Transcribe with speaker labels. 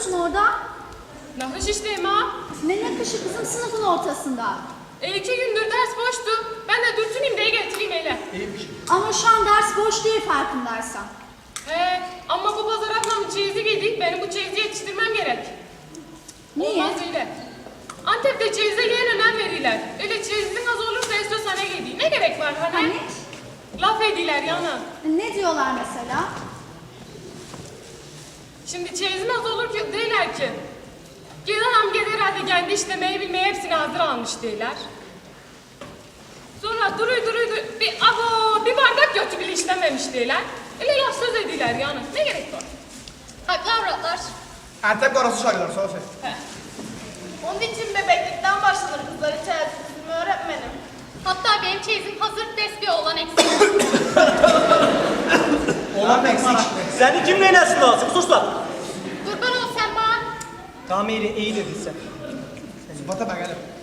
Speaker 1: yapıyorsun orada?
Speaker 2: Nakış işleyim ha.
Speaker 1: Ne nakışı kızım sınıfın ortasında?
Speaker 2: 2 gündür ders boştu. Ben de dürtüneyim diye getireyim hele.
Speaker 1: Ama şu an ders boş değil farkındaysan.
Speaker 2: He, ama bu pazar ablamın çeyizi giydik. Benim bu çeyizi yetiştirmem gerek.
Speaker 1: Niye?
Speaker 2: Olmaz öyle. Antep'te çeyize gelen önem verirler. Öyle çeyizin az olursa istiyorsan ne giydiği. Ne gerek var hani?
Speaker 1: Hani?
Speaker 2: Laf ediler yana.
Speaker 1: Ne diyorlar mesela?
Speaker 2: Şimdi çeyizin az olur ki değiller ki. Gedanam gel herhalde kendi işlemeyi bilmeyi hepsini hazır almış değiller. Sonra duruy bir bardak götü bile işlememiş değiller. Öyle laf söz ediler yani. Ne gerek var? Haklı avratlar.
Speaker 3: Antep karası şairler sağ olsun.
Speaker 4: Onun için bebeklikten başlanır kızların çeyizini öğretmenim.
Speaker 2: Hatta benim çeyizim hazır bir oğlan eksik.
Speaker 3: Olan eksik.
Speaker 5: Seni kim neylesin lazım? Sus lan.
Speaker 2: Kurban ol sen bana.
Speaker 5: Tamam iyi dedin sen.
Speaker 3: Sıfata ben gelip.